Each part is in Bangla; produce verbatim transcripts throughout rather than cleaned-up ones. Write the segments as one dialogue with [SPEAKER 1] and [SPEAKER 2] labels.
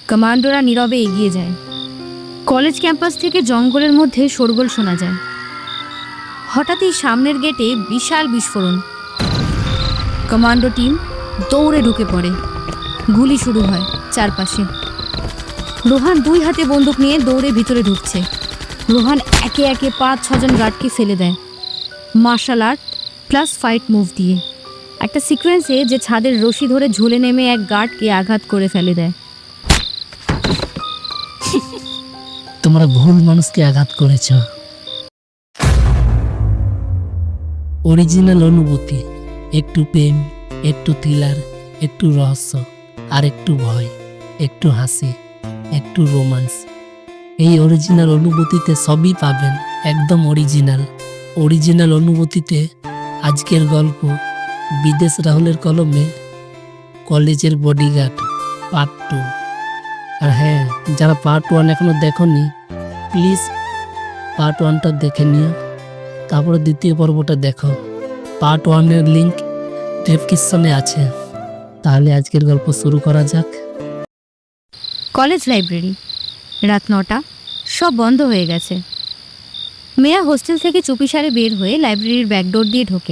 [SPEAKER 1] কমান্ডোরা নীরবে এগিয়ে যায়। কলেজ ক্যাম্পাস থেকে জঙ্গলের মধ্যে শোরগোল শোনা যায়। হঠাৎই সামনের গেটে বিশাল বিস্ফোরণ। কমান্ডো টিম দৌড়ে ঢুকে পড়ে। গুলি শুরু হয় চারপাশে। রোহান দুই হাতে বন্দুক নিয়ে দৌড়ে ভিতরে ঢুকছে। রোহান একে একে পাঁচ ছজন গার্ডকে ফেলে দেয় martial art plus fight move দিয়ে। একটা সিকোয়েন্সে যে ছাদের রশি ধরে ঝুলে নেমে এক গার্ডকে আঘাত করে ফেলে দেয়।
[SPEAKER 2] তোমরা ভুল মানুষকে আঘাত করেছ। অরিজিনাল অনুভূতি, একটু প্রেম, একটু থ্রিলার, একটু রহস্য, আর একটু ভয়, একটু হাসি, একটু রোমান্স। এই অরিজিনাল অনুভূতিতে সবই পাবেন, একদম অরিজিনাল। অরিজিনাল অনুভূতিতে আজকের গল্প বিদেশ রাহুলের কলমে কলেজের বডিগার্ড পার্ট টু। আর হ্যাঁ, যারা পার্ট ওয়ান এখনো দেখোনি প্লিজ পার্ট ওয়ানটা দেখে নিও, তারপরে দ্বিতীয় পর্বটা দেখো। পার্ট ওয়ানের লিঙ্ক ডেসক্রিপশনে আছে। তাহলে আজকের গল্প শুরু করা যাক।
[SPEAKER 1] কলেজ লাইব্রেরি, রাত নটা, সব বন্ধ হয়ে গেছে। মেয়া হোস্টেল থেকে চুপিসারে বের হয়ে লাইব্রেরির ব্যাকডোর দিয়ে ঢোকে।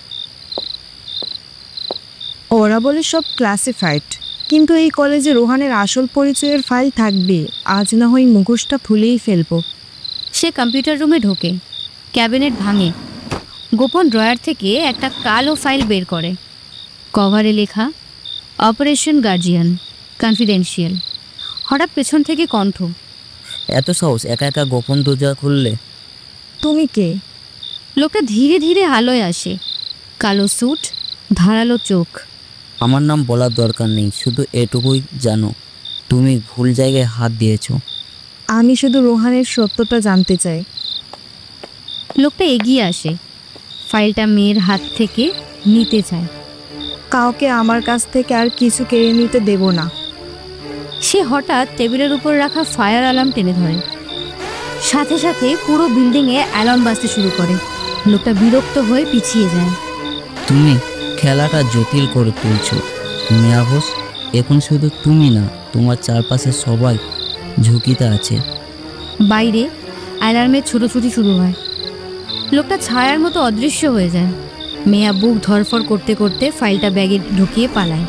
[SPEAKER 3] ওরা বলে সব ক্লাসিফাইড, কিন্তু এই কলেজে রোহানের আসল পরিচয়ের ফাইল থাকবে। আজ না হয় মুখোশটা খুলেই ফেলবো।
[SPEAKER 1] সে কম্পিউটার রুমে ঢোকে, ক্যাবিনেট ভাঙে, গোপন ড্রয়ার থেকে একটা কালো ফাইল বের করে। কভারে লেখা অপারেশন গার্জিয়ান কনফিডেন্সিয়াল। হঠাৎ পেছন থেকে কণ্ঠ,
[SPEAKER 4] এত সাহস একা একা গোপন দরজা খুললে?
[SPEAKER 3] তুমি কে?
[SPEAKER 1] লোকটা ধীরে ধীরে আলোয় আসে। কালো স্যুট, ধারালো চোখ।
[SPEAKER 4] আমার নাম বলার দরকার নেই, শুধু এটুকুই জানো, তুমি ভুল জায়গায় হাত দিয়েছ।
[SPEAKER 3] আমি শুধু রোহানের সত্যটা জানতে চাই।
[SPEAKER 1] লোকটা এগিয়ে আসে, ফাইলটা মেয়ের হাত থেকে নিতে চায়।
[SPEAKER 3] কাউকে আমার কাছ থেকে আর কিছু কেড়ে নিতে দেব না।
[SPEAKER 1] সে হঠাৎ টেবিলের উপর রাখা ফায়ার অ্যালার্ম টেনে ধরে। সাথে সাথে পুরো বিল্ডিংয়ে অ্যালার্ম বাজতে শুরু করে। লোকটা বিরক্ত হয়ে পিছিয়ে যায়।
[SPEAKER 4] তুমি খেলাটা জটিল করে তুলছো মেয়া বোস। এখন শুধু তুমি না, তোমার চারপাশে সবাই ঝুঁকিতে আছে।
[SPEAKER 1] বাইরে অ্যালার্মের ছুটোছুটি শুরু হয়। লোকটা ছায়ার মতো অদৃশ্য হয়ে যায়। মেয়া বুক ধরফর করতে করতে ফাইলটা ব্যাগে ঢুকিয়ে পালায়।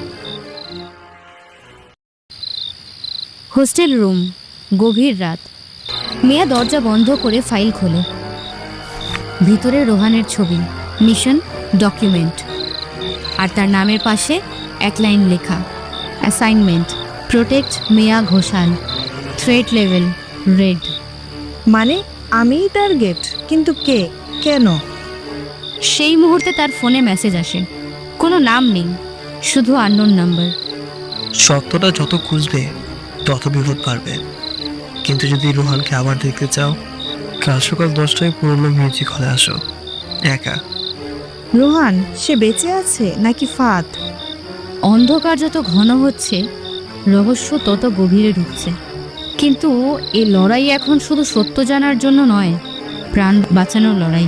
[SPEAKER 1] হোস্টেল রুম, গভীর রাত। মেয়া দরজা বন্ধ করে ফাইল খোলে। ভিতরে রোহানের ছবি, মিশন ডকুমেন্ট, আর তার নামের পাশে এক লাইন লেখা, অ্যাসাইনমেন্ট প্রোটেক্ট মেয়া ঘোষাল, থ্রেট লেভেল রেড।
[SPEAKER 3] মানে আমিই টার্গেট? কিন্তু কে, কেন?
[SPEAKER 1] সেই মুহূর্তে তার ফোনে মেসেজ আসে। কোনো নাম নেই, শুধু আননোন নাম্বার।
[SPEAKER 5] সত্যটা যত খুঁজবে তত বিপদ বাড়বে। কিন্তু যদি রোহানকে আবার দেখতে চাও, কাল সকাল দশটায় পুরনো মিউজিক হলে আসো, একা।
[SPEAKER 3] রোহান সে বেঁচে আছে নাকি ফাঁদ?
[SPEAKER 1] অন্ধকার যত ঘন হচ্ছে, রহস্য তত গভীরে ঢুকছে। কিন্তু এই লড়াই এখন শুধু সত্য জানার জন্য নয়, প্রাণ বাঁচানোর লড়াই।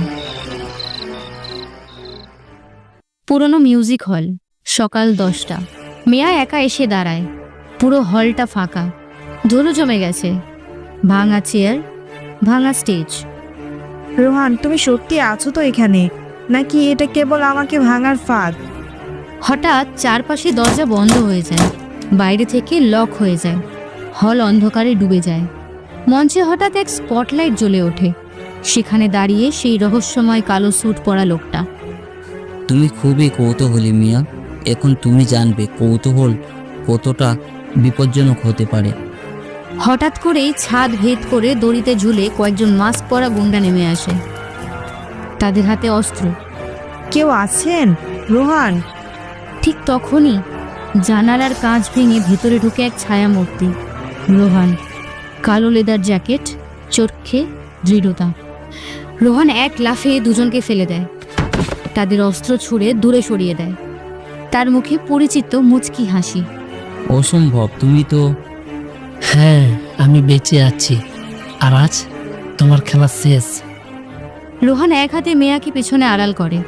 [SPEAKER 1] পুরনো মিউজিক হল, সকাল দশটা। মেয়া একা এসে দাঁড়ায়। পুরো হলটা ফাঁকা, ধুলো জমে গেছে। ভাঙা চেয়ার, ভাঙা স্টেজ।
[SPEAKER 3] রোহান তুমি সত্যি আছো তো এখানে, নাকি এটা কেবল আমাকে ভাঙার ফাঁদ?
[SPEAKER 1] হঠাৎ চারপাশে দরজা বন্ধ হয়ে যায়, বাইরে থেকে লক হয়ে যায়। হল অন্ধকারে ডুবে যায়। মঞ্চে হঠাৎ এক স্পটলাইট জ্বলে ওঠে। সেখানে দাঁড়িয়ে সেই রহস্যময় কালো স্যুট পরা লোকটা।
[SPEAKER 4] তুমি খুবই কৌতূহলী মিয়া। এখন তুমি জানবে কৌতূহল কতটা বিপজ্জনক হতে পারে।
[SPEAKER 1] হঠাৎ করেই ছাদ ভেদ করে দড়িতে ঝুলে কয়েকজন মাস্ক পরা গুন্ডা নেমে আসে। তাদের হাতে অস্ত্র।
[SPEAKER 3] কেউ আছেন? রোহান?
[SPEAKER 1] ঠিক তখনই জানালার কাঁচ ভেঙে ভেতরে ঢুকে এক ছায়া মূর্তি। রোহান, কালো লেদার জ্যাকেট, চোখে দৃঢ়তা। রোহান এক লাফে দুজনকে ফেলে দেয়, তাদের অস্ত্র ছুঁড়ে দূরে সরিয়ে দেয়। তার মুখে পরিচিত মুচকি হাসি।
[SPEAKER 4] অসম্ভব, তুমি তো।
[SPEAKER 2] হ্যাঁ, আমি বেঁচে আছি, আর আজ তোমার খেলা শেষ।
[SPEAKER 1] রোহান এক হাতে মেয়াকে পেছনে আড়াল করে,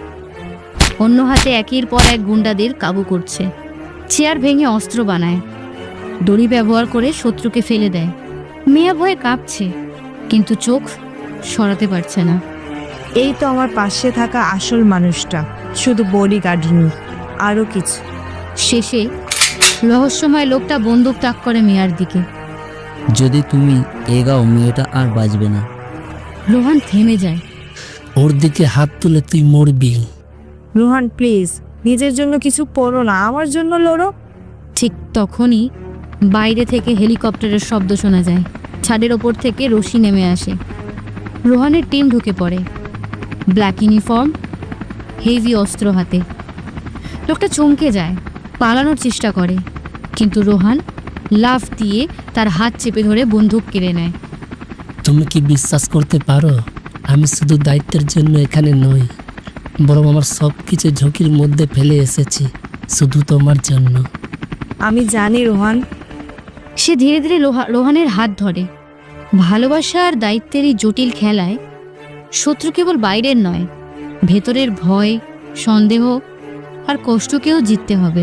[SPEAKER 1] অন্য হাতে একের পর এক গুন্ডাদের কাবু করছে। চেয়ার ভেঙে অস্ত্র বানায়। দড়ি ব্যবহার করে শত্রুকে ফেলে দেয়। মেয়া ভয়ে কাঁপছে, কিন্তু চোখ সরাতে পারছে না।
[SPEAKER 3] এই তো আমার পাশে থাকা আসল মানুষটা, শুধু বডি গার্ড নয়, আরও কিছু।
[SPEAKER 1] শেষে রহস্যময় লোকটা বন্দুক তাক করে মেয়ার দিকে।
[SPEAKER 4] যদি তুমি এগাও মেয়েটা আর বাঁচবে না।
[SPEAKER 1] রোহান থেমে যায়।
[SPEAKER 2] ওর দিকে হাত তুলে তুই মরবি।
[SPEAKER 3] রোহান প্লিজ, নিজের জন্য কিছু পড়ো না, আমার জন্য লড়ো।
[SPEAKER 1] ঠিক তখনই বাইরে থেকে হেলিকপ্টারের শব্দ শোনা যায়। ছাদের ওপর থেকে রশি নেমে আসে। রোহানের টিম ঢুকে পড়ে, ব্ল্যাক ইউনিফর্ম, হেভি অস্ত্র হাতে। লোকটা চমকে যায়, পালানোর চেষ্টা করে, কিন্তু রোহান লাফ দিয়ে তার হাত চেপে ধরে বন্দুক কেড়ে নেয়।
[SPEAKER 2] তুমি কি বিশ্বাস করতে পারো, আমি শুধু দায়িত্বের জন্য এখানে নই, বরং আমার সব কিছু ঝুঁকির মধ্যে ফেলে এসেছি শুধু তোমার জন্য।
[SPEAKER 3] আমি জানি রোহান।
[SPEAKER 1] সে ধীরে ধীরে লোহা- রোহানের হাত ধরে। ভালোবাসা আর দায়িত্বের এই জটিল খেলায় শত্রু কেবল বাইরের নয়, ভেতরের ভয়, সন্দেহ আর কষ্টকেও জিততে হবে।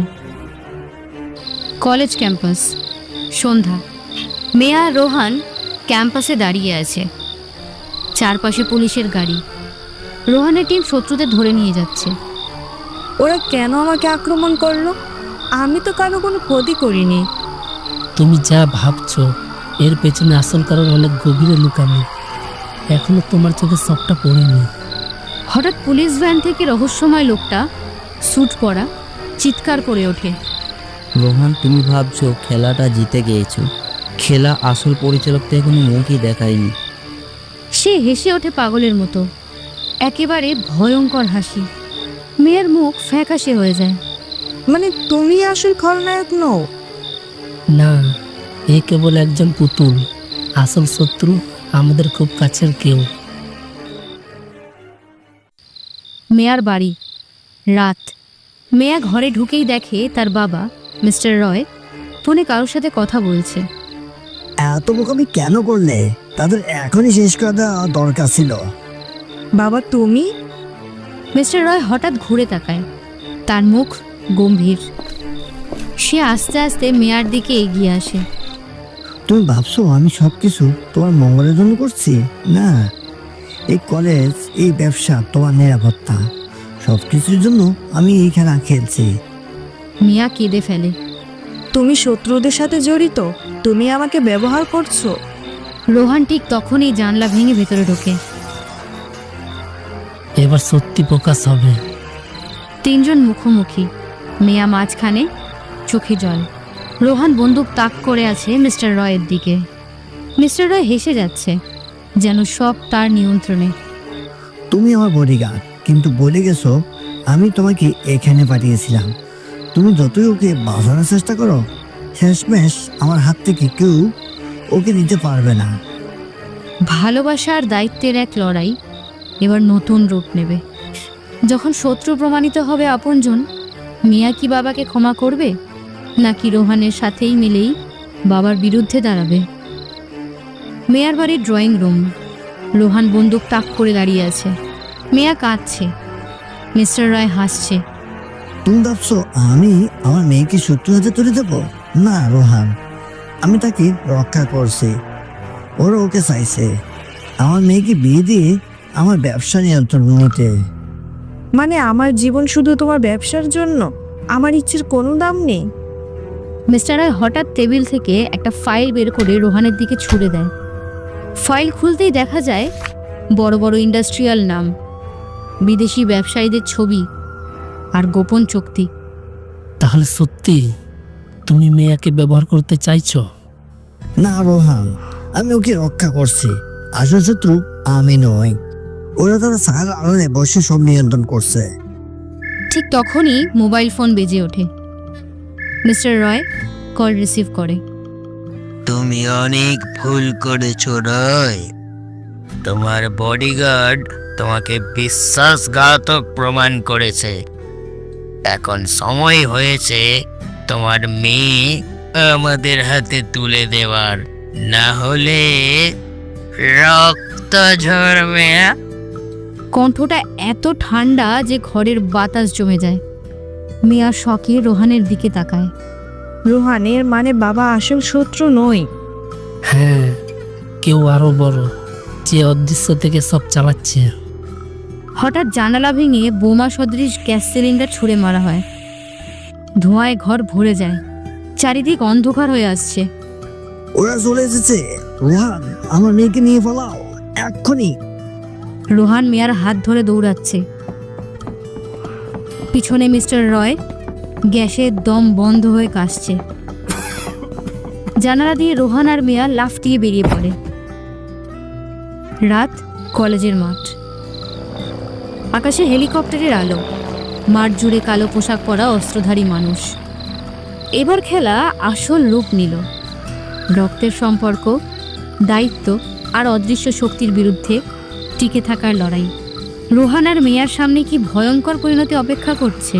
[SPEAKER 1] কলেজ ক্যাম্পাস, সন্ধ্যা। মেয়া আর রোহান ক্যাম্পাসে দাঁড়িয়ে আছে। চারপাশে পুলিশের গাড়ি। রোহানের টিম শত্রুদের ধরে নিয়ে যাচ্ছে।
[SPEAKER 3] ওরা কেন আমাকে আক্রমণ করলো? আমি তো কারো কোনো ক্ষতি করিনি।
[SPEAKER 2] তুমি যা ভাবছো এর পেছনে আসল কারণ অনেক গভীরে লুকানো, এখনো তোমার চোখে সবটা পড়েনি।
[SPEAKER 1] হঠাৎ পুলিশ ভ্যান থেকে রহস্যময় লোকটা, স্যুট পরা, চিৎকার করে ওঠে।
[SPEAKER 4] রোহান, তুমি ভাবছো খেলাটা জিতে গিয়েছো। খেলা আসল পরিচালক তো এখনো মুখই দেখায়নি।
[SPEAKER 1] সে হেসে ওঠে পাগলের মতো, একেবারে ভয়ঙ্কর হাসি। মেয়ের মুখ ফ্যাকাশে হয়ে যায়।
[SPEAKER 3] মানে তুমি আসল খলনায়ক নও?
[SPEAKER 2] না, এ কেবল একজন পুতুল, আসল শত্রু আমাদের খুব কাছের কেউ।
[SPEAKER 1] মেয়ার বাড়ি, রাত। মেয়া ঘরে ঢুকেই দেখে তার বাবা মিস্টার রয় ফোনে কারোর সাথে কথা বলছে।
[SPEAKER 6] এত বোকামি কেন করলে? তাদের এখনই শেষ করা দেওয়া দরকার ছিল।
[SPEAKER 3] বাবা তুমি?
[SPEAKER 1] মিস্টার রয় হঠাৎ ঘুরে তাকায়, তার মুখ গম্ভীর। সে আস্তে আস্তে মেয়ার দিকে এগিয়ে আসে।
[SPEAKER 6] তুমি ভাবছো আমি সব কিছু তোমার মঙ্গলের জন্য করছি? না, এই কলেজ, এই ব্যবসা, তোমার নিরাপত্তা, সব কিছুর জন্য আমি এই খেলা খেলছি।
[SPEAKER 1] মিয়া কেঁদে ফেলে।
[SPEAKER 3] তুমি শত্রুদের সাথে জড়িত? তুমি আমাকে ব্যবহার করছো?
[SPEAKER 1] রোহান ঠিক তখনই জানলা ভেঙে ভেতরে ঢোকে।
[SPEAKER 2] এবার সত্যি প্রকাশ হবে।
[SPEAKER 1] তিনজন মুখোমুখি, মেয়া মাঝখানে, চোখে জল। রোহান বন্দুক তাক করে আছে মিস্টার রয়ের দিকে। মিস্টার রয় হেসে যাচ্ছে, যেন সব তার নিয়ন্ত্রণে।
[SPEAKER 6] তুমি আমার বডিগার্ড, কিন্তু বলে গেছো আমি তোমাকে এখানে পাঠিয়েছিলাম। তুমি যতই ওকে বাঁচানোর চেষ্টা করো, শেষমেশ আমার হাত থেকে কেউ ওকে নিতে পারবে না।
[SPEAKER 1] ভালোবাসা আর দায়িত্বের এক লড়াই এবার নতুন রূপ নেবে। যখন শত্রু প্রমাণিত হবে আপনজন, মিয়া কি বাবাকে ক্ষমা করবে, নাকি রোহানের সাথেই মিলেই বাবার বিরুদ্ধে দাঁড়াবে? মেয়ার বাড়ির ড্রয়িং রুম। রোহান বন্দুক তাক করে দাঁড়িয়ে আছে। মেয়া কাঁদছে, মিস্টার রয় হাসছে।
[SPEAKER 6] তুমি ভাবছো আমি আমার মেয়েকে শত্রু হাতে তুলে দেবো? না রোহান, আমি তাকে রক্ষা করছি। ওরা ওকে চাইছে আমার মেয়েকে বিয়ে দিয়ে আমার ব্যবসা নিয়ন্ত্রণ নিতে।
[SPEAKER 3] মানে আমার জীবন শুধু তোমার ব্যবসার জন্য? আমার ইচ্ছের কোনো দাম নেই?
[SPEAKER 1] মিস্টার রয় হঠাৎ টেবিল থেকে একটা ফাইল বের করে রোহানের দিকে ছুড়ে দেয়। ফাইল খুলতেই দেখা যায় বড় বড় ইন্ডাস্ট্রিয়াল নাম, বিদেশি ব্যবসায়ীদের ছবি আর গোপন চুক্তি।
[SPEAKER 2] তাহলে সত্যি তুমি মেয়াকে ব্যবহার করতে চাইছো?
[SPEAKER 6] না রোহান, আমি ওকে রক্ষা করছি। আসল শত্রু আমি নই। ওরা তারা সারা আলোনে বসে সব নিয়ন্ত্রণ করছে।
[SPEAKER 1] ঠিক তখনই মোবাইল ফোন বেজে ওঠে। মিস্টার রয় কল রিসিভ করে।
[SPEAKER 7] তুমি অনেক ভুল করেছো রয়। তোমার বডিগার্ড তোমাকে বিশ্বাসঘাতক প্রমাণ করেছে। এখন সময় হয়েছে তোমার মেয়ে আমাদের হাতে তুলে দেওয়ার, না হলে রক্ত ঝরবে।
[SPEAKER 1] কণ্ঠটা এত ঠান্ডা যে ঘরের বাতাস জমে যায়। মিয়া শকে রোহানের দিকে তাকায়।
[SPEAKER 3] রোহানের মানে বাবা আসল শত্রু নয়।
[SPEAKER 2] হ্যাঁ, কেউ আরো বড়, যে অদৃশ্য থেকে সব চালাচ্ছে।
[SPEAKER 1] হঠাৎ জানালা ভেঙে বোমা সদৃশ গ্যাস সিলিন্ডার ছুঁড়ে মারা হয়। ধোঁয়ায় ঘর ভরে যায়, চারিদিক অন্ধকার হয়ে আসছে।
[SPEAKER 6] ওরা চলে এসেছে। রোহান, আমার মেয়েকে নিয়ে পালাও এক্ষুনি।
[SPEAKER 1] রোহান মিয়ার হাত ধরে দৌড়াচ্ছে। পিছনে মিস্টার রয় গ্যাসের দম বন্ধ হয়ে কাশছে। জানালা দিয়ে রোহান আর মিয়া লাফটিয়ে বেরিয়ে পড়ে। রাত, কলেজের মাঠ, আকাশে হেলিকপ্টারের আলো, মাঠ জুড়ে কালো পোশাক পরা অস্ত্রধারী মানুষ। এবার খেলা আসল রূপ নিল। রক্তের সম্পর্ক, দায়িত্ব আর অদৃশ্য শক্তির বিরুদ্ধে টিকে থাকার লড়াই। রোহান আর মেয়ার সামনে কি ভয়ঙ্কর পরিণতি অপেক্ষা করছে।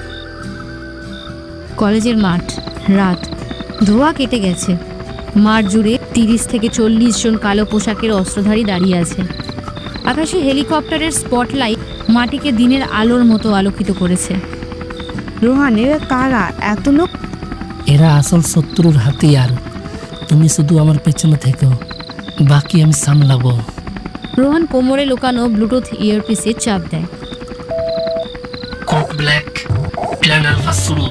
[SPEAKER 1] কলেজের মাঠ, রাত, ধোঁয়া কেটে গেছে। মাঠ জুড়ে তিরিশ থেকে চল্লিশ জন কালো পোশাকের অস্ত্রধারী দাঁড়িয়ে আছে। আকাশে হেলিকপ্টারের স্পটলাইট মাটিকে দিনের আলোর মতো আলোকিত করেছে।
[SPEAKER 3] রোহানের কারা এত লোক?
[SPEAKER 2] এরা আসল শত্রুর হাতিয়ার। তুমি শুধু আমার পেছনে থেকো, বাকি আমি সামলাবো।
[SPEAKER 1] রোহান কোমরে লুকানো ব্লুটুথ ইয়ারপিসে চাপ দেয়।
[SPEAKER 2] কোড ব্ল্যাক, প্ল্যান আলফা শুরু।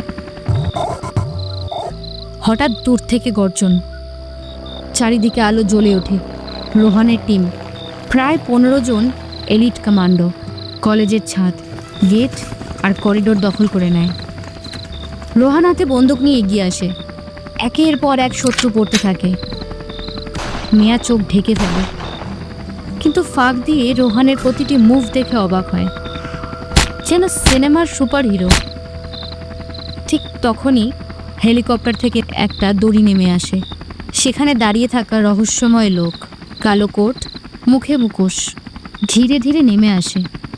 [SPEAKER 1] হঠাৎ দূর থেকে গর্জন, চারিদিকে আলো জ্বলে ওঠে। রোহানের টিম, প্রায় পনেরো জন এলিট কমান্ডো, কলেজের ছাদ, গেট আর করিডোর দখল করে নেয়। রোহান হাতে বন্দুক নিয়ে এগিয়ে আসে। একের পর এক শত্রু পড়তে থাকে। মেয়া চোখ ঢেকে ফেলে, কিন্তু ফাঁক দিয়ে রোহানের প্রতিটি মুভ দেখে অবাক হয়, যেন সিনেমার সুপার হিরো। ঠিক তখনই হেলিকপ্টার থেকে একটা দড়ি নেমে আসে। সেখানে দাঁড়িয়ে থাকা রহস্যময় লোক, কালো কোট, মুখে মুখোশ, ধীরে ধীরে নেমে আসে।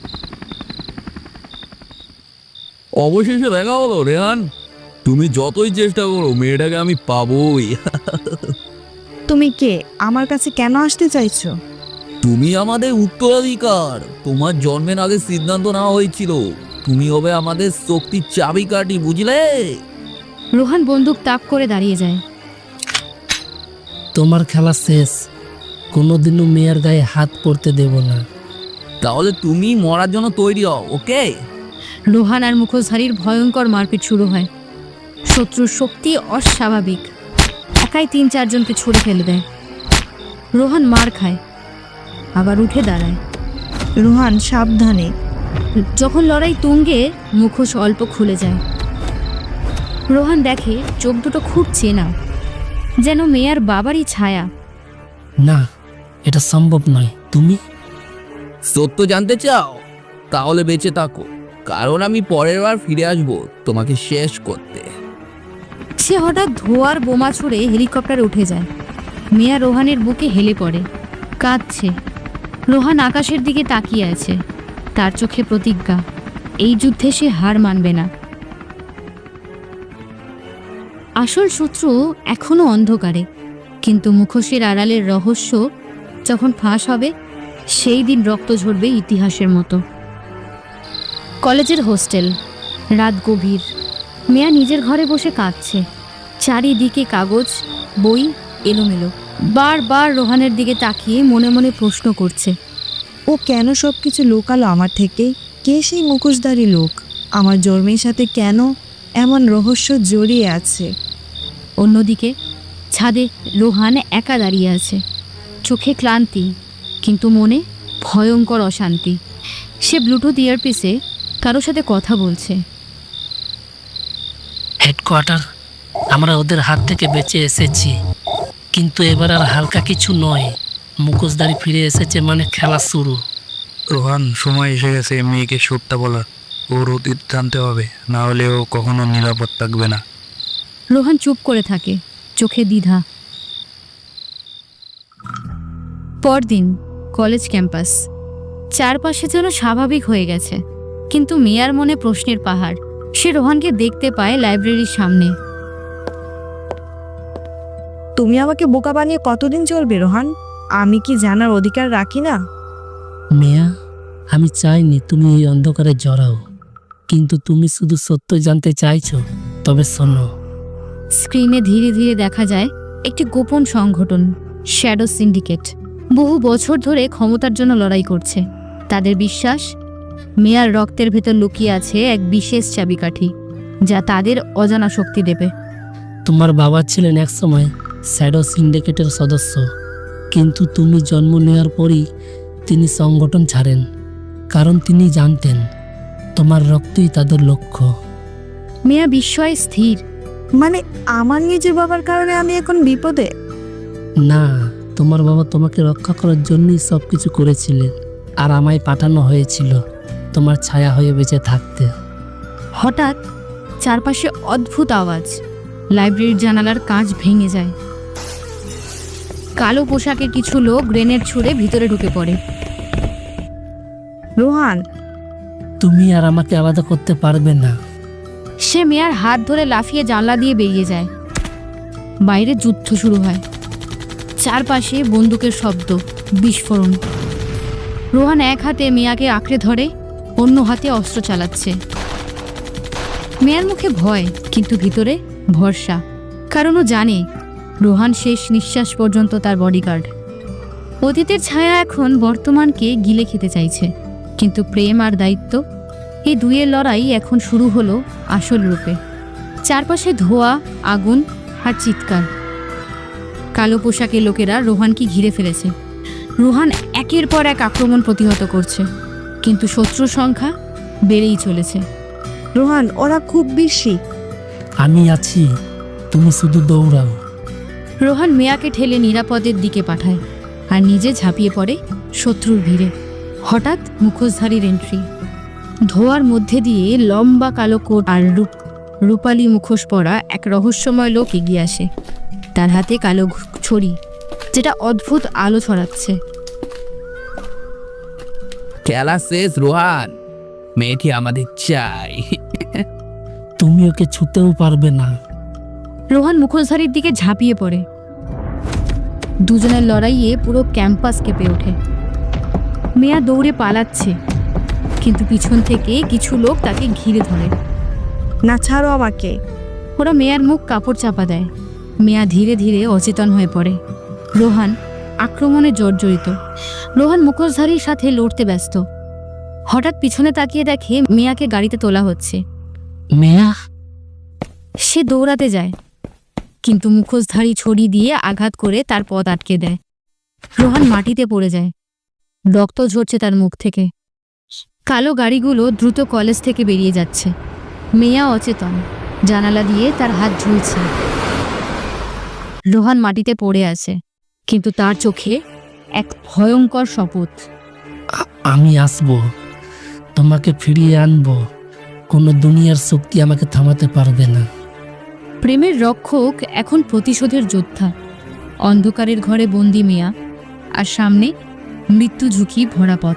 [SPEAKER 8] অবশেষে দেখা হলো রেহান। তুমি যতই চেষ্টা করো মেয়েটাকে আমি পাবোই।
[SPEAKER 3] তুমি কে? আমার কাছে কেন আসতে চাইছো?
[SPEAKER 8] তুমি আমাদের উত্তরাধিকার। তোমার জন্মের আগে সিদ্ধান্ত নেওয়া হয়েছিল তুমি হবে আমাদের শক্তির চাবিকাঠি, বুঝলে?
[SPEAKER 1] রোহান বন্দুক তাক করে দাঁড়িয়ে যায়।
[SPEAKER 2] তোমার খেলা শেষ, কোনোদিনও মেয়ের গায়ে হাত পড়তে দেব না।
[SPEAKER 8] তাহলে তুমি মরার জন্য তৈরি হও, ওকে?
[SPEAKER 1] রোহান আর মুখোশধারীর ভয়ঙ্কর মারপিট শুরু হয়। শত্রুর শক্তি অস্বাভাবিক, একাই তিন চারজনকে ছুঁড়ে ফেলে দেয়। রোহান মার খায়, আবার উঠে দাঁড়ায়।
[SPEAKER 3] রোহান সাবধানে।
[SPEAKER 1] যখন লড়াই তুঙ্গে, মুখোশ অল্প খুলে যায়। রোহান দেখে চোখ দুটো খুব চেনা, যেন মেয়ার বাবারই ছায়া।
[SPEAKER 2] না, এটা সম্ভব নয়। তুমি
[SPEAKER 8] সত্য জানতে চাও? তাহলে বেঁচে থাকো, কারণ আমি পরের বার ফিরে আসবো তোমাকে শেষ করতে।
[SPEAKER 1] সে হঠাৎ ধোয়ার বোমা ছুঁড়ে হেলিকপ্টারে উঠে যায়। মেয়া রোহানের বুকে হেলে পড়ে, কাঁদছে। রোহান আকাশের দিকে তাকিয়ে আছে, তার চোখে প্রতিজ্ঞা, এই যুদ্ধে সে হার মানবে না। আসল শত্রু এখনো অন্ধকারে, কিন্তু মুখোশের আড়ালের রহস্য যখন ফাঁস হবে, সেই দিন রক্ত ঝরবে ইতিহাসের মতো। কলেজের হোস্টেল, রাত গভীর। মেয়া নিজের ঘরে বসে কাঁদছে। চারিদিকে কাগজ, বই এলোমেলো। বারবার রোহানের দিকে তাকিয়ে মনে মনে প্রশ্ন করছে,
[SPEAKER 3] ও কেন সব কিছু লুকালো আমার থেকে? কে সেই মুখোশধারী লোক? আমার জন্মের সাথে কেন এমন রহস্য জড়িয়ে আছে?
[SPEAKER 1] অন্যদিকে ছাদে রোহান একা দাঁড়িয়ে আছে, চোখে ক্লান্তি, কিন্তু মনে ভয়ঙ্কর অশান্তি। সে ব্লুটুথ ইয়ারপিসে কারোর সাথে কথা বলছে।
[SPEAKER 2] হেডকোয়ার্টার, আমরা ওদের হাত থেকে বেঁচে এসেছি, কিন্তু এবার আর হালকা কিছু নয়। মুখোশধারী ফিরে এসেছে মানে খেলা শুরু।
[SPEAKER 5] রোহান, সময় এসে গেছে মেয়েকে সত্যটা বলার। ওর অতীত জানতে হবে, না হলে ও কখনো নিরাপদ থাকবে না।
[SPEAKER 1] রোহান চুপ করে থাকে, চোখে দ্বিধা। পরদিন কলেজ ক্যাম্পাস, চারপাশে যেন স্বাভাবিক হয়ে গেছে, কিন্তু মেয়ার মনে প্রশ্নের পাহাড়। সে রোহানকে দেখতে পায় লাইব্রেরির সামনে।
[SPEAKER 3] তুমি আমাকে বোকা বানিয়ে কতদিন চলবে রোহান? আমি কি জানার অধিকার রাখি না?
[SPEAKER 2] মেয়া, আমি চাইনি তুমি এই অন্ধকারে জড়াও, কিন্তু তুমি শুধু সত্য জানতে চাইছো। তবে শোনো,
[SPEAKER 1] স্ক্রিনে ধীরে ধীরে দেখা যায় একটি গোপন সংগঠন, শ্যাডো সিন্ডিকেট। বহু বছর ধরে ক্ষমতার জন্য লড়াই করছে। তাদের বিশ্বাস, মেয়ার রক্তের ভেতর লুকিয়ে আছে এক বিশেষ চাবিকাঠি, যা তাদের অজানা শক্তি দেবে।
[SPEAKER 2] তোমার বাবা ছিলেন একসময় শ্যাডো সিন্ডিকেটের সদস্য, কিন্তু তুমি জন্ম নেওয়ার পরই তিনি সংগঠন ছাড়েন, কারণ তিনি জানতেন তোমার রক্তই তাদের লক্ষ্য।
[SPEAKER 1] মেয়া বিস্ময়ে স্থির।
[SPEAKER 3] মানে আমার নিজের বাবার কারণে আমি এখন বিপদে?
[SPEAKER 2] না, তোমার বাবা তোমাকে রক্ষা করার জন্যই সব কিছু করেছিলেন, আর আমায় পাঠানো হয়েছিল তোমার ছায়া হয়ে বেঁচে থাকতে।
[SPEAKER 1] হঠাৎ চারপাশে অদ্ভুত আওয়াজ। লাইব্রেরির জানালার কাঁচ ভেঙে যায়। কালো পোশাকের কিছু লোক গ্রেনেড ছুঁড়ে ভিতরে ঢুকে পড়ে।
[SPEAKER 3] রোহান,
[SPEAKER 2] তুমি আর আমাকে আলাদা করতে পারবে না।
[SPEAKER 1] সে মেয়ার হাত ধরে লাফিয়ে জানলা দিয়ে বেরিয়ে যায়। বাইরে যুদ্ধ শুরু হয়। চারপাশে বন্দুকের শব্দ, বিস্ফোরণ। রোহান এক হাতে মেয়াকে আঁকড়ে ধরে, অন্য হাতে অস্ত্র চালাচ্ছে। মেয়ার মুখে ভয়, কিন্তু ভিতরে ভরসা, কারণ ও জানে রোহান শেষ নিঃশ্বাস পর্যন্ত তার বডিগার্ড। অতীতের ছায়া এখন বর্তমানকে গিলে খেতে চাইছে, কিন্তু প্রেম আর দায়িত্ব, এই দুইয়ের লড়াই এখন শুরু হলো আসল রূপে। চারপাশে ধোঁয়া, আগুন আর চিৎকার। কালো পোশাকের লোকেরা রোহানকে ঘিরে ফেলেছে। রোহান একের পর এক আক্রমণ প্রতিহত করছে, কিন্তু শত্রুর সংখ্যা বেড়েই চলেছে।
[SPEAKER 3] রোহান, ওরা খুব বেশি।
[SPEAKER 2] আমি আছি, তুমি শুধু দৌড়াও।
[SPEAKER 1] রোহান মেয়াকে ঠেলে নিরাপদের দিকে পাঠায়, আর নিজে ঝাঁপিয়ে পড়ে শত্রুর ভিড়ে। হঠাৎ মুখোশধারীর এন্ট্রি। ধোয়ার মধ্যে দিয়ে লম্বা কালো কোট আর রূপ রূপালী মুখোশ পরা এক রহস্যময় লোক এগিয়ে আসে। তার হাতে কালো ছড়ি, যেটা অদ্ভুত আলো ছড়াচ্ছে।
[SPEAKER 8] খেলা শেষ রোহান, মেয়েটি আমাদের চাই।
[SPEAKER 2] তুমি ওকে ছুতেও পারবে না।
[SPEAKER 1] রোহান মুখোশধারীর দিকে ঝাঁপিয়ে পড়ে। দুজনের লড়াইয়ে পুরো ক্যাম্পাস কেঁপে ওঠে। মেয়া দৌড়ে পালাচ্ছে, কিন্তু পিছন থেকে কিছু লোক তাকে ঘিরে ধরে।
[SPEAKER 3] না, ছাড়ো আমাকে।
[SPEAKER 1] ওরা মেয়ার মুখ কাপড় চাপা দেয়। মেয়া ধীরে ধীরে অচেতন হয়ে পড়ে। রোহান আক্রমণে জর্জরিত। রোহান মুখোশধারীর সাথে লড়তে ব্যস্ত। হঠাৎ পিছনে তাকিয়ে দেখে মেয়াকে গাড়িতে তোলা হচ্ছে।
[SPEAKER 2] মেয়া,
[SPEAKER 1] সে দৌড়াতে যায়, কিন্তু মুখোশধারী ছড়ি দিয়ে আঘাত করে তার পথ আটকে দেয়। রোহান মাটিতে পড়ে যায়। রক্ত ঝরছে তার মুখ থেকে। কালো গাড়িগুলো দ্রুত কলেজ থেকে বেরিয়ে যাচ্ছে। মেয়া অচেতন, জানালা দিয়ে তার হাত ঝুলছে। রোহান মাটিতে পড়ে আছে, কিন্তু তার চোখে এক ভয়ঙ্কর শপথ।
[SPEAKER 2] আ- আমি আসবো, তোমাকে ফিরিয়ে আনবো। কোনো দুনিয়ার শক্তি আমাকে থামাতে পারবে না।
[SPEAKER 1] প্রেমের রক্ষক এখন প্রতিশোধের যোদ্ধা। অন্ধকারের ঘরে বন্দি মেয়া, আর সামনে মৃত্যু ঝুঁকি ভরা পথ।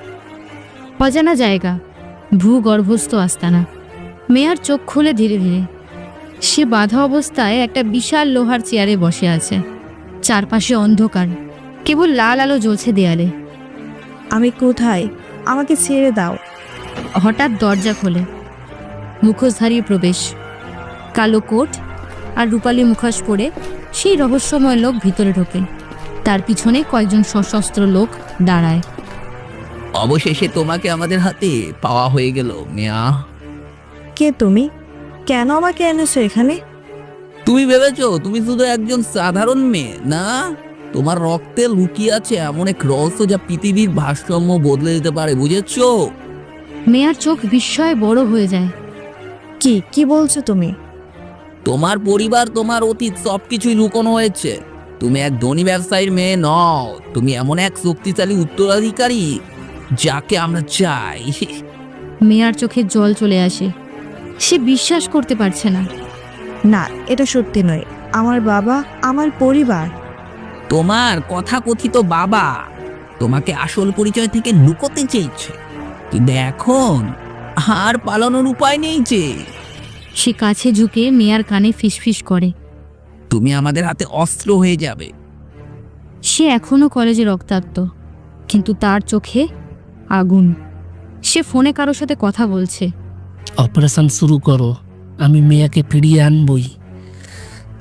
[SPEAKER 1] অজানা জায়গা, ভূগর্ভস্থ আস্তানা। মেয়ার চোখ খুলে ধীরে ধীরে। সে বাঁধা অবস্থায় একটা বিশাল লোহার চেয়ারে বসে আছে। চারপাশে অন্ধকার, কেবল লাল আলো জ্বলছে দেয়ালে।
[SPEAKER 3] আমি কোথায়? আমাকে ছেড়ে দাও।
[SPEAKER 1] হঠাৎ দরজা খোলে। মুখোশধারীর প্রবেশ। কালো কোট আর রূপালী মুখোশ পরে সেই রহস্যময় লোক ভিতরে ঢোকে। তার পিছনে কয়েকজন সশস্ত্র লোক দাঁড়ায়।
[SPEAKER 8] অবশেষে তোমাকে আমাদের হাতে পাওয়া হয়ে গেল মেয়া।
[SPEAKER 3] কে তুমি? কেন আমাকে এনেছো এখানে?
[SPEAKER 8] তুমি ভেবেছো তুমি শুধু একজন সাধারণ মেয়ে? না, তোমার রক্তে লুকিয়ে আছে এমন এক রহস্য যা পৃথিবীর ভারসাম্য বদলে দিতে পারে, বুঝেছো?
[SPEAKER 1] মেয়ার চোখ বিস্ময়ে বড় হয়ে যায়।
[SPEAKER 3] কি কি বলছো তুমি?
[SPEAKER 8] তোমার পরিবার, তোমার অতীত সবকিছুই লুকোনো হয়েছে। তুমি এক ধনী ব্যবসায়ীর মেয়ে নও, তুমি এমন এক শক্তিশালী উত্তরাধিকারী যাকে আমরা চাই।
[SPEAKER 1] মেয়ার চোখে জল চলে আসে। সে বিশ্বাস করতে পারছে না।
[SPEAKER 3] না, এটা সত্যি নয়। আমার বাবা, আমার পরিবার।
[SPEAKER 8] তোমার কথাকথিত বাবা তোমাকে আসল পরিচয় থেকে লুকোতে চেয়েছে, কিন্তু এখন আর পালানোর উপায় নেই যে।
[SPEAKER 1] সে কাছে ঝুঁকে মেয়ার কানে ফিসফিস করে।
[SPEAKER 8] তুমি আমাদের হাতে অস্ত্র হয়ে যাবে।
[SPEAKER 1] সে এখনো কলেজে রক্তাক্ত, কিন্তু তার চোখে আগুন। সে ফোনে কারোর সাথে কথা বলছে।
[SPEAKER 2] অপারেশন শুরু করো, আমি মেয়াকে ফিরিয়ে আনবই।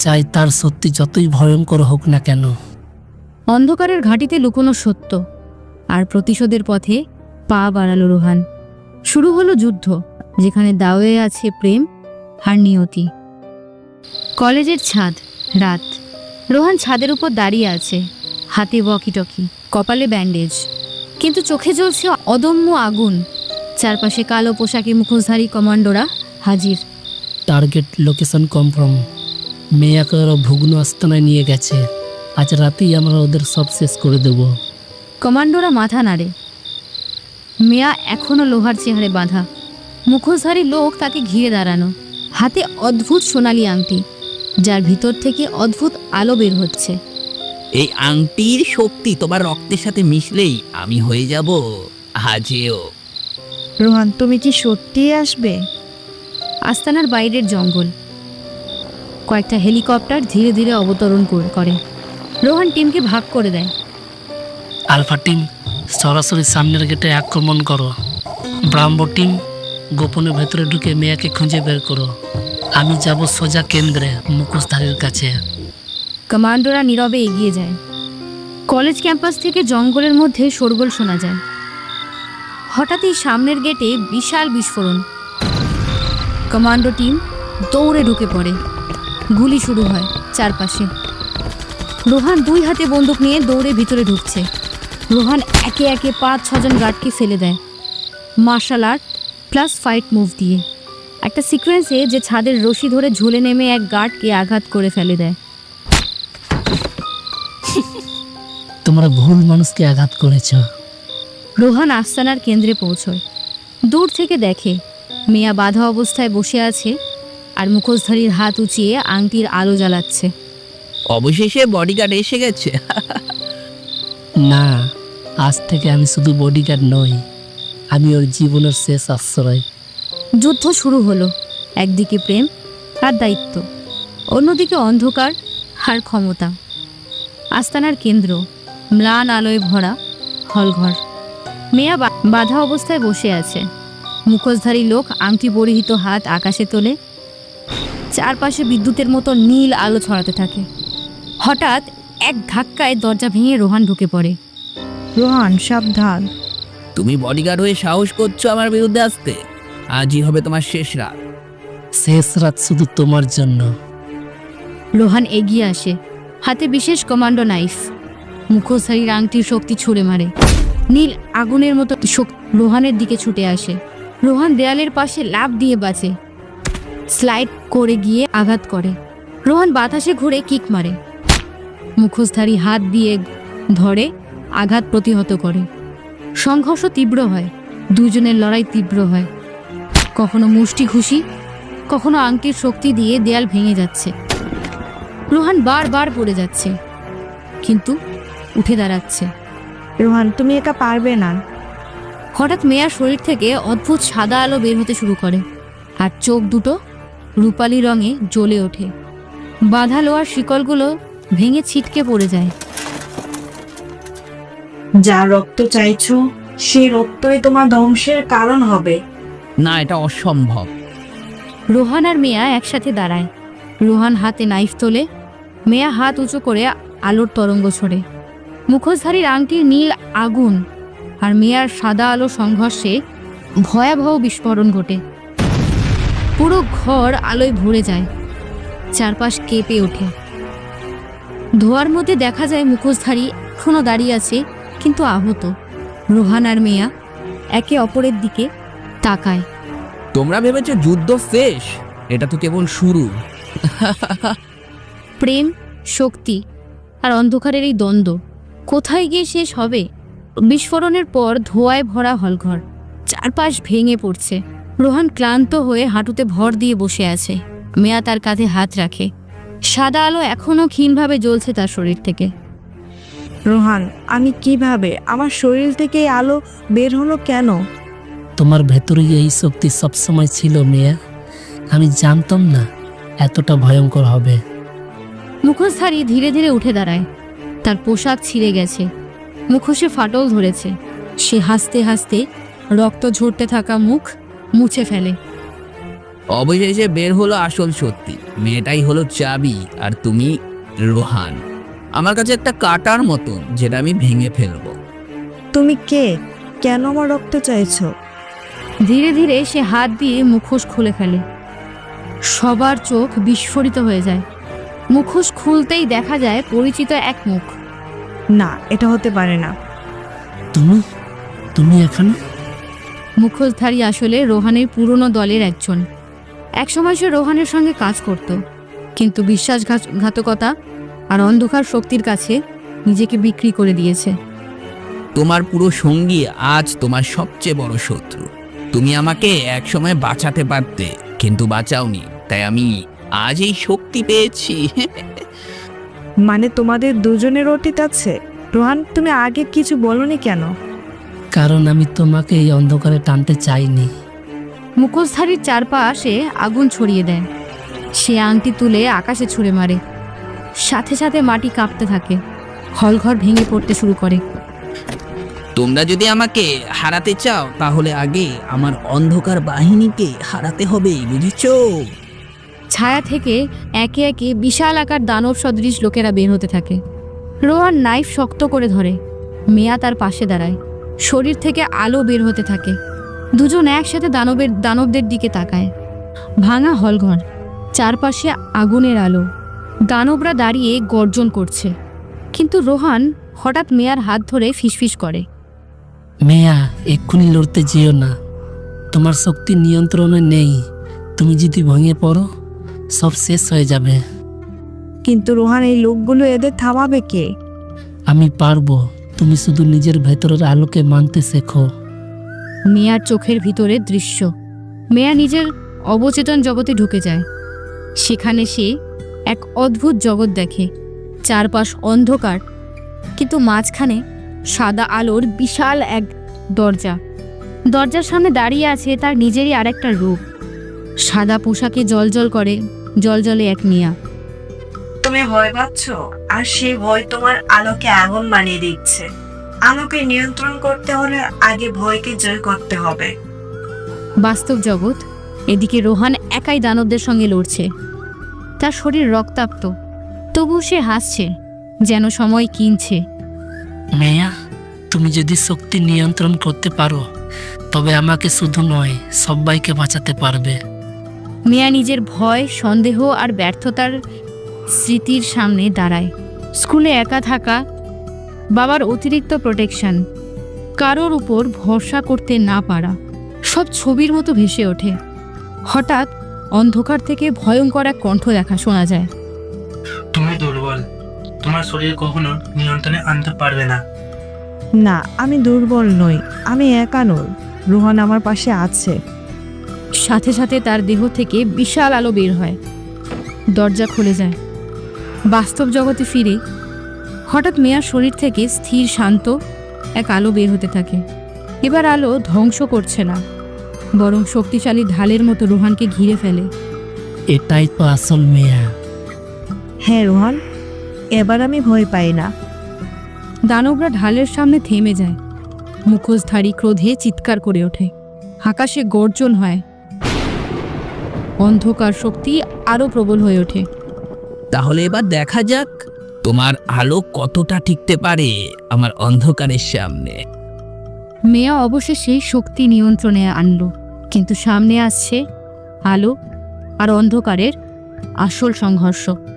[SPEAKER 2] চাই তার সত্যি যতই ভয়ঙ্কর হোক না কেন।
[SPEAKER 1] অন্ধকারের ঘাঁটিতে লুকোনো সত্য আর প্রতিশোধের পথে পা বাড়ালো রোহান। শুরু হলো যুদ্ধ, যেখানে দাওয়ে আছে প্রেম আর নিয়তি। কলেজের ছাদ, রাত। রোহান ছাদের উপর দাঁড়িয়ে আছে, হাতে ওয়াকিটকি, কপালে ব্যান্ডেজ, কিন্তু চোখে জ্বলছে অদম্য আগুন। চারপাশে কালো পোশাকে মুখোশধারী কমান্ডোরা হাজির।
[SPEAKER 2] Target location confirm. মেয়াকে ওরা ভুগ্ন আস্তানায় নিয়ে গেছে। আজ রাতেই আমরা ওদের সব শেষ করে দেব।
[SPEAKER 1] কমান্ডোরা মাথা নাড়ে। মেয়া এখনো লোহার চেহারে বাঁধা, মুখোশধারী লোক তাকে ঘিরে দাঁড়ানো, হাতে অদ্ভুত সোনালি আংটি, যার ভিতর থেকে অদ্ভুত আলো বের হচ্ছে।
[SPEAKER 8] এই আংটির শক্তি তোমার রক্তের সাথে মিশলেই আমি হয়ে যাব হাজেও।
[SPEAKER 3] রোহান, তুমি কি সত্যিই আসবে?
[SPEAKER 1] আস্তানার বাইরের জঙ্গল। কয়েকটা হেলিকপ্টার ধীরে ধীরে অবতরণ কর- করে। রোহান টিমকে ভাগ করে দেয়।
[SPEAKER 2] আলফা টিম সরাসরি সামনের গেটে আক্রমণ করো। ব্রাহ্মো টিম গোপনে ভেতরে ঢুকে মেয়াকে খুঁজে বের করো। আমি যাব সোজা কেন্দ্রে, মুখোশধারীর কাছে।
[SPEAKER 1] কমান্ডোরা নীরবে এগিয়ে যায়। কলেজ ক্যাম্পাস থেকে জঙ্গলের মধ্যে শোরগোল শোনা যায়। হঠাৎই সামনের গেটে বিশাল বিস্ফোরণ। কমান্ডো টিম দৌড়ে ঢুকে পড়ে। গুলি শুরু হয় চারপাশে। রোহান দুই হাতে বন্দুক নিয়ে দৌড়ে ভিতরে ঢুকছে। রোহান একে একে পাঁচ ছজন গার্ডকে ফেলে দেয়, martial art plus fight move দিয়ে। একটা সিকোয়েন্সে যে ছাদের রশি ধরে ঝুলে নেমে এক গার্ডকে আঘাত করে ফেলে দেয়।
[SPEAKER 2] তোমরা ভুল মানুষকে আঘাত করেছ।
[SPEAKER 1] রোহান আস্তানার কেন্দ্রে পৌঁছয়। দূর থেকে দেখে মেয়া বাঁধা অবস্থায় বসে আছে আর মুখোশধারীর হাত উঁচিয়ে আংটির আলো জ্বালাচ্ছে।
[SPEAKER 8] অবশেষে বডিগার্ড এসে গেছে।
[SPEAKER 2] না, আজ থেকে আমি শুধু বডিগার্ড নই, আমি ওর জীবনের শেষ আশ্রয়।
[SPEAKER 1] যুদ্ধ শুরু হলো। একদিকে প্রেম আর দায়িত্ব, অন্যদিকে অন্ধকার আর ক্ষমতা। আস্তানার কেন্দ্র, ম্লান আলোয় ভরা হলঘর। মেয়া বা- বাঁধা অবস্থায় বসে আছে। মুখোশধারী লোক আংটি পরিহিত হাত আকাশে তোলে। চারপাশে বিদ্যুতের মতো নীল আলো ছড়াতে থাকে। হঠাৎ এক ধাক্কায় দরজা ভেঙে রোহান ঢুকে পড়ে।
[SPEAKER 3] রোহান, সাবধান।
[SPEAKER 8] তুমি বডিগার্ড হয়ে সাহস করছো আমার বিরুদ্ধে আসতে? আজই হবে তোমার শেষ রাত।
[SPEAKER 2] শেষ রাত শুধু তোমার জন্য।
[SPEAKER 1] রোহান এগিয়ে আসে, হাতে বিশেষ কমান্ডো নাইফ। মুখোশধারীর আংটির শক্তি ছুঁড়ে মারে। নীল আগুনের মতো শক্তি রোহানের দিকে ছুটে আসে। রোহান দেয়ালের পাশে লাফ দিয়ে বাঁচে, স্লাইড করে গিয়ে আঘাত করে। রোহান বাতাসে ঘুরে কিক মারে। মুখোশধারী হাত দিয়ে ধরে আঘাত প্রতিহত করে। সংঘর্ষ তীব্র হয়, দুজনের লড়াই তীব্র হয়। কখনো মুষ্টি ঘুষি, কখনো আংটির শক্তি দিয়ে দেয়াল ভেঙে যাচ্ছে। রোহান বারবার পড়ে যাচ্ছে, কিন্তু উঠে দাঁড়াচ্ছে।
[SPEAKER 3] রোহান, তুমি একা পারবে না।
[SPEAKER 1] হঠাৎ মেয়ার শরীর থেকে অদ্ভুত সাদা আলো বের হতে শুরু করে, আর চোখ দুটো রূপালি রঙে জ্বলে ওঠে। বাঁধা লোহার শিকলগুলো ভেঙে ছিটকে পড়ে যায়।
[SPEAKER 3] যা রক্ত চাইছো, সেই রক্তই তোমার ধ্বংসের কারণ হবে।
[SPEAKER 8] না, এটা অসম্ভব।
[SPEAKER 1] রোহান আর মেয়া একসাথে দাঁড়ায়। রোহান হাতে নাইফ তোলে, মেয়া হাত উঁচু করে আলোর তরঙ্গ ছড়ে। মুখোশধারীর আংটির নীল আগুন আর মেয়ার সাদা আলো সংঘর্ষে ভয়াবহ বিস্ফোরণ ঘটে। পুরো ঘর আলোয় ভরে যায়, চারপাশ কেঁপে ওঠে। ধোয়ার মধ্যে দেখা যায় মুখোশধারী এখনো দাঁড়িয়ে আছে, কিন্তু আহত। রোহান আর মেয়া একে অপরের দিকে তাকায়।
[SPEAKER 8] তোমরা ভেবেছো যুদ্ধ শেষ? এটা তো কেবল শুরু।
[SPEAKER 1] প্রেম, শক্তি আর অন্ধকারের এই দ্বন্দ্ব কোথায় গিয়ে শেষ হবে? বিস্ফোরণের পর ধোঁয়ায় ভরা হলঘর, চারপাশ ভেঙে পড়ছে। রোহান ক্লান্ত হয়ে হাঁটুতে ভর দিয়ে বসে আছে। মেয়া তার কাঁধে হাত রাখে। সাদা আলো এখনো ক্ষীণভাবে জ্বলছে তার শরীর থেকে।
[SPEAKER 3] রোহান, আমি কিভাবে, আমার শরীর থেকে এই আলো বের হলো কেন?
[SPEAKER 2] তোমার ভেতরে এই শক্তি সবসময় ছিল মেয়া। আমি জানতাম না এতটা ভয়ঙ্কর হবে।
[SPEAKER 1] মুখোশধারী ধীরে ধীরে উঠে দাঁড়ায়। তার পোশাক ছিঁড়ে গেছে, মুখোশে ফাটল ধরেছে। সে হাসতে হাসতে রক্ত ঝরতে থাকা মুখ মুছে ফেলে।
[SPEAKER 8] অবশেষে বের হলো আসল সত্যি, মেয়েটাই হলো চাবি আর তুমি রোহান। আমার কাছে একটা কাটার মতন, যেটা আমি ভেঙে ফেলবো।
[SPEAKER 3] তুমি কে? কেন আমার রক্ত চাইছো?
[SPEAKER 1] ধীরে ধীরে সে হাত দিয়ে মুখোশ খুলে ফেলে। সবার চোখ বিস্ফোরিত হয়ে যায়। মুখোশ খুলতেই দেখা যায় পরিচিত এক মুখ।
[SPEAKER 3] না, এটা হতে পারে না।
[SPEAKER 2] তুমি তুমি এখানে?
[SPEAKER 1] মুখোশধারী আসলে রোহানের পুরনো দলের একজন। একসময় সে রোহানের সঙ্গে কাজ করত, কিন্তু বিশ্বাসঘাতকতা আর অন্ধকার শক্তির কাছে নিজেকে বিক্রি করে দিয়েছে।
[SPEAKER 8] তোমার পুরো সঙ্গী আজ তোমার সবচেয়ে বড় শত্রু। তুমি আমাকে একসময় বাঁচাতে পারতে, কিন্তু বাঁচাওনি, তাই আমি আজ এই শক্তি পেয়েছি।
[SPEAKER 3] মানে তোমাদের দুজনের অতীত আছে? রোহান, তুমি আগে কিছু বলনি কেন?
[SPEAKER 2] কারণ আমি তোমাকে এই অন্ধকারে টানতে চাইনি।
[SPEAKER 1] মুখোশধারীর চারপাশে আগুন ছড়িয়ে দেয়। সে আংটি তুলে আকাশে ছুঁড়ে মারে। সাথে সাথে মাটি কাঁপতে থাকে, হলঘর ভেঙে পড়তে শুরু করে।
[SPEAKER 8] তোমরা যদি আমাকে হারাতে চাও, তাহলে আগে আমার অন্ধকার বাহিনীকে হারাতে হবে, বুঝেছো?
[SPEAKER 1] ছায়া থেকে একে একে বিশাল আকার দানব সদৃশ লোকেরা বের হতে থাকে। রোহান নাইফ শক্ত করে ধরে। মেয়া তার পাশে দাঁড়ায়। শরীর থেকে আলো বের হতে থাকে। দুজন একসাথে দানবের দানবদের দিকে তাকায়। ভাঙা হলঘর, চারপাশে আগুনের আলো। দানবরা দাঁড়িয়ে গর্জন করছে, কিন্তু রোহান হঠাৎ মেয়ার হাত ধরে ফিসফিস করে।
[SPEAKER 2] মেয়া, এক্ষুনি লড়তে যেও না। তোমার শক্তি নিয়ন্ত্রণে নেই। তুমি যদি ভেঙে পড়ো, সব শেষ হয়ে যাবে।
[SPEAKER 3] কিন্তু রোহান, এই লোকগুলো এদের থামাবে কে?
[SPEAKER 2] আমি পারবো। তুমি শুধু নিজের ভেতরের আলোকে মানতে শেখো।
[SPEAKER 1] মেয়ার চোখের ভিতরে দৃশ্য। মেয়া নিজের অবচেতন জগতে ঢুকে যায়। সেখানে সে এক অদ্ভুত জগৎ দেখে। চারপাশ অন্ধকার, কিন্তু মাঝখানে সাদা আলোর বিশাল এক দরজা। দরজার সামনে দাঁড়িয়ে আছে তার নিজেরই আরেকটা রূপ। সাদা পোশাকে জলজল করে জলজলে এক মিয়া।
[SPEAKER 3] তুমি ভয় পাচ্ছ, আর সে ভয় তোমার আলোকে আগুন বানিয়ে দিচ্ছে। আলোকে নিয়ন্ত্রণ করতে হলে আগে ভয়কে জয় করতে হবে।
[SPEAKER 1] বাস্তব জগৎ। এদিকে রোহান একাই দানবদের সঙ্গে লড়ছে। তার শরীর রক্তাক্ত, তবু সে হাসছে, যেন সময় কিনছে।
[SPEAKER 2] মেয়া, তুমি যদি শক্তি নিয়ন্ত্রণ করতে পারো, তবে আমাকে শুধু নয়, সবাইকে বাঁচাতে পারবে।
[SPEAKER 1] মেয়া নিজের ভয়, সন্দেহ আর ব্যর্থতার স্মৃতির সামনে দাঁড়ায়। স্কুলে একা থাকা, বাবার অতিরিক্ত প্রোটেকশন, কারোর উপর ভরসা করতে না পারা, সব ছবির মতো ভেসে ওঠে। হঠাৎ অন্ধকার থেকে ভয়ঙ্কর এক কণ্ঠ দেখা শোনা যায়।
[SPEAKER 5] তুমি দুর্বল, তোমার শরীর কখনো নিয়ন্ত্রণে আনতে পারবে না।
[SPEAKER 3] না, আমি দুর্বল নই, আমি একা নই। রোহান আমার পাশে আছে।
[SPEAKER 1] সাথে সাথে তার দেহ থেকে বিশাল আলো বের হয়। দরজা খুলে যায়। বাস্তব জগতে ফিরে হঠাৎ মেয়ার শরীর থেকে স্থির শান্ত এক আলো বের হতে থাকে। এবার আলো ধ্বংস করছে না, বরং শক্তিশালী ঢালের মতো রোহানকে ঘিরে ফেলে।
[SPEAKER 2] এটাই তো আসল মেয়া।
[SPEAKER 3] হ্যাঁ রোহান, এবার আমি ভয় পাই না।
[SPEAKER 1] দানবরা ঢালের সামনে থেমে যায়। মুখোশধারী ক্রোধে চিৎকার করে ওঠে। আকাশে গর্জন হয়। অন্ধকার শক্তি আরো প্রবল হয়ে ওঠে।
[SPEAKER 8] তাহলে এবার দেখা যাক তোমার আলো কতটা টিকতে পারে আমার অন্ধকারের সামনে।
[SPEAKER 1] মেয়া অবশেষে শক্তি নিয়ন্ত্রণে আনলো, কিন্তু সামনে আসছে আলো আর অন্ধকারের আসল সংঘর্ষ।